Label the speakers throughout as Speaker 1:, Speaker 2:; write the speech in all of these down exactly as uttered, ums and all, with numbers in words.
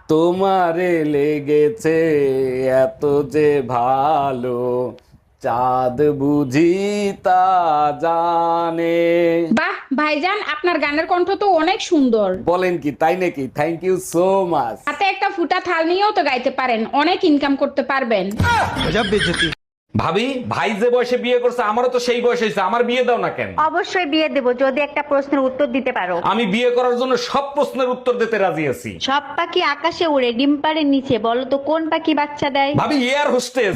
Speaker 1: তোমারে লেগেছে এত যে ভালো, চাঁদ বুঝি তা জানে।
Speaker 2: বাহ ভাইজান, আপনার গানের কণ্ঠ তো অনেক সুন্দর।
Speaker 1: বলেন কি, তাই নাকি? Thank you so much.
Speaker 2: হাতে একটা ফুটা থাল নিয়েও তো গাইতে পারেন, অনেক ইনকাম করতে পারবেন।
Speaker 1: ভাবি, ভাই যে বয়সে বিয়ে করছে আমারও তো সেই বয়স হয়েছে, আমার বিয়ে দাও না কেন?
Speaker 3: অবশ্যই বিয়ে দেব যদি একটা প্রশ্নের উত্তর দিতে পারো।
Speaker 1: আমি বিয়ে করার জন্য সব প্রশ্নের উত্তর দিতে রাজি আছি।
Speaker 3: সব পাখি আকাশে উড়ে, ডিম পাড়ে নিচে, বলো তো কোন পাখি বাচ্চা দেয়?
Speaker 1: ভাবি, এয়ার হোস্টেস।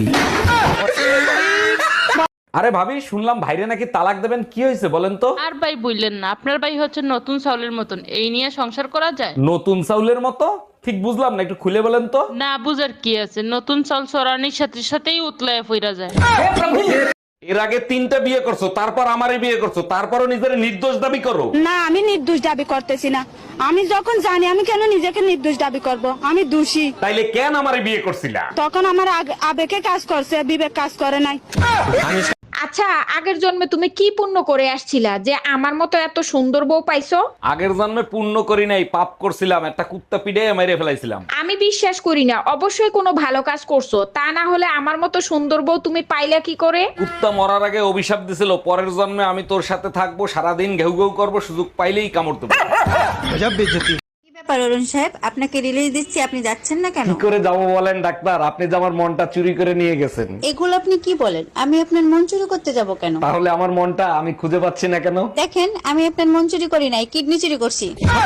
Speaker 1: আরে ভাবি, শুনলাম ভাইরে নাকি তালাক দেবেন, কি হয়েছে বলেন তো?
Speaker 4: আর ভাই বললেন না, আপনার ভাই হচ্ছে নতুন চাউলের মতন, এই নিয়ে সংসার করা যায়?
Speaker 1: নতুন চাউলের মতো? ঠিক বুঝলাম না, একটু খুলে বলেন তো।
Speaker 4: না বুঝার কি আছে, নতুন চাল চড়ানির সাথে সাথেই উতলায় ফিরা যায়।
Speaker 1: এর আগে তিনটা বিয়ে করছো, তারপর আমারে বিয়ে করছো, তারপরও নিজের নির্দোষ দাবি করো।
Speaker 5: না, আমি নির্দোষ দাবি করতেছি না। আমি যখন জানি, আমি কেন নিজেকে নির্দোষ দাবি করব? আমি দোষী।
Speaker 1: তাইলে কেন আমারে বিয়ে করছিলা?
Speaker 5: তখন আমার আগ- আবেগে কাজ করছে, বিবেক কাজ করে নাই।
Speaker 2: আচ্ছা, আগের জন্মে তুমি কি পুণ্য করে আসছিলা যে আমার মতো এত সুন্দর বউ পাইছো?
Speaker 1: আগের জন্মে পুণ্য করি নাই, পাপ করছিলাম, একটা কুত্তা পিড়ে মেরে ফেলাইছিলাম।
Speaker 2: আমি বিশ্বাস করি না, অবশ্যই কোনো ভালো কাজ করছো, তা না হলে আমার মতো সুন্দর বউ তুমি পাইলা কি করে?
Speaker 1: কুত্তা মরার আগে অভিশাপ দিছিল, পরের জন্মে আমি তোর সাথে থাকবো, সারাদিন ঘেউ ঘেউ করবো, সুযোগ পাইলেই কামড় দেবো।
Speaker 6: কি ব্যাপার অরুণ সাহেব, আপনাকে রিলিজ দিচ্ছি, আপনি যাচ্ছেন না কেন?
Speaker 1: কি করে যাবো বলেন ডাক্তার? আপনি যে আমার মনটা চুরি করে নিয়ে গেছেন।
Speaker 6: এগুলো আপনি কি বলেন? আমি আপনার মন চুরি করতে যাব কেন?
Speaker 1: তাহলে আমার মনটা আমি খুঁজে পাচ্ছি না কেন?
Speaker 6: দেখেন, আমি আপনার মন চুরি করি নাই, কিডনি চুরি করছি।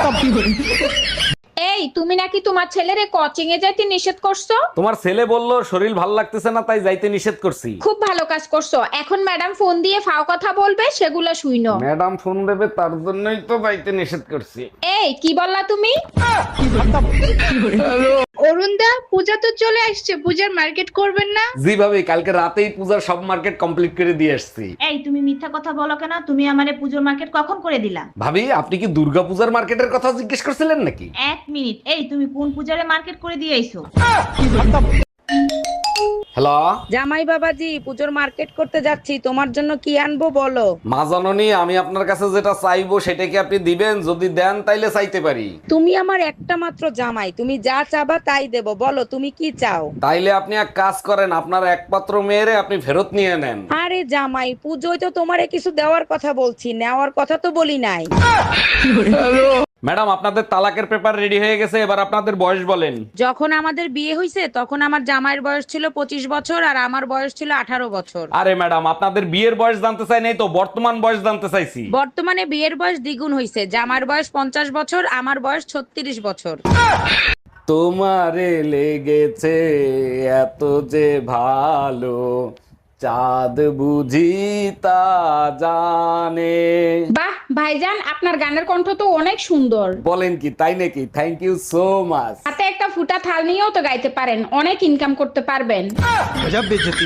Speaker 2: এই, তুমি নাকি তোমার ছেলেরে কোচিং এ যাইতে নিষেধ করছো?
Speaker 1: তোমার ছেলে বললো শরীর ভাল লাগতেছে না, তাই যাইতে নিষেধ করছি।
Speaker 2: খুব ভালো কাজ করছো। এখন ম্যাডাম ফোন দিয়ে ফাও কথা বলবে, সেগুলো শুইনো।
Speaker 1: ম্যাডাম ফোন দেবে, তার জন্যই তো যাইতে নিষেধ করছি।
Speaker 2: এই, কি বললা তুমি?
Speaker 7: অরুণদা, পূজা তো চলে আসছে, পূজার মার্কেট করবেন না?
Speaker 1: জি ভাবি, কালকে রাতেই পূজার সব মার্কেট কমপ্লিট করে দিয়ে আসছি।
Speaker 8: এই তুমি মিথ্যা কথা বলো কেন? তুমি আমারে পুজোর মার্কেট কখন করে দিলা?
Speaker 1: ভাবি, আপনি কি দুর্গা পূজার মার্কেটের কথা জিজ্ঞেস করছিলেন নাকি?
Speaker 8: এক মিনিট, এই তুমি কোন পূজারে মার্কেট করে দিয়ে আইছো?
Speaker 1: হ্যালো
Speaker 9: জামাই বাবাজি, পুজোর মার্কেট করতে যাচ্ছি, তোমার জন্য কি আনবো বলো?
Speaker 1: মা জননী, আমি আপনার কাছে যেটা চাইবো সেটা কি আপনি দিবেন? যদি দেন তাইলে চাইতে পারি।
Speaker 9: তুমি আমার একটা মাত্র জামাই, তুমি যা চাবা তাই দেবো, বলো তুমি কি চাও?
Speaker 1: তাইলে আপনি এক কাজ করেন, আপনার একমাত্র মেয়েরে আপনি ফেরত নিয়ে নেন।
Speaker 9: আরে জামাই, পুজোয় তো তোমারে কিছু দেওয়ার কথা বলছি, নেওয়ার কথা তো বলি নাই।
Speaker 1: ম্যাডাম, আপনাদের তালাকের পেপার রেডি হয়ে গেছে, এবার আপনাদের বয়স বলেন।
Speaker 9: যখন আমাদের বিয়ে হয়েছে তখন আমার জামাইয়ের বয়স ছিল পঁচিশ বছর আর আমার বয়স ছিল আঠারো বছর।
Speaker 1: আরে ম্যাডাম, আপনাদের বিয়ের বয়স জানতে চাই নাই তো, বর্তমান বয়স জানতে চাইছি।
Speaker 9: বর্তমানে বিয়ের বয়স দ্বিগুণ হয়েছে, জামাইয়ের বয়স পঞ্চাশ বছর, আমার বয়স ছত্রিশ বছর।
Speaker 1: তোমারে লেগেছে এত যে ভালো, চাঁদ বুঝি তা জানে।
Speaker 2: বাহ ভাইজান, আপনার গানের কণ্ঠ তো অনেক সুন্দর।
Speaker 1: বলেন কি, তাই নাকি? Thank you so much.
Speaker 2: হাতে একটা ফুটা থাল নিয়েও তো গাইতে পারেন, অনেক ইনকাম করতে পারবেন।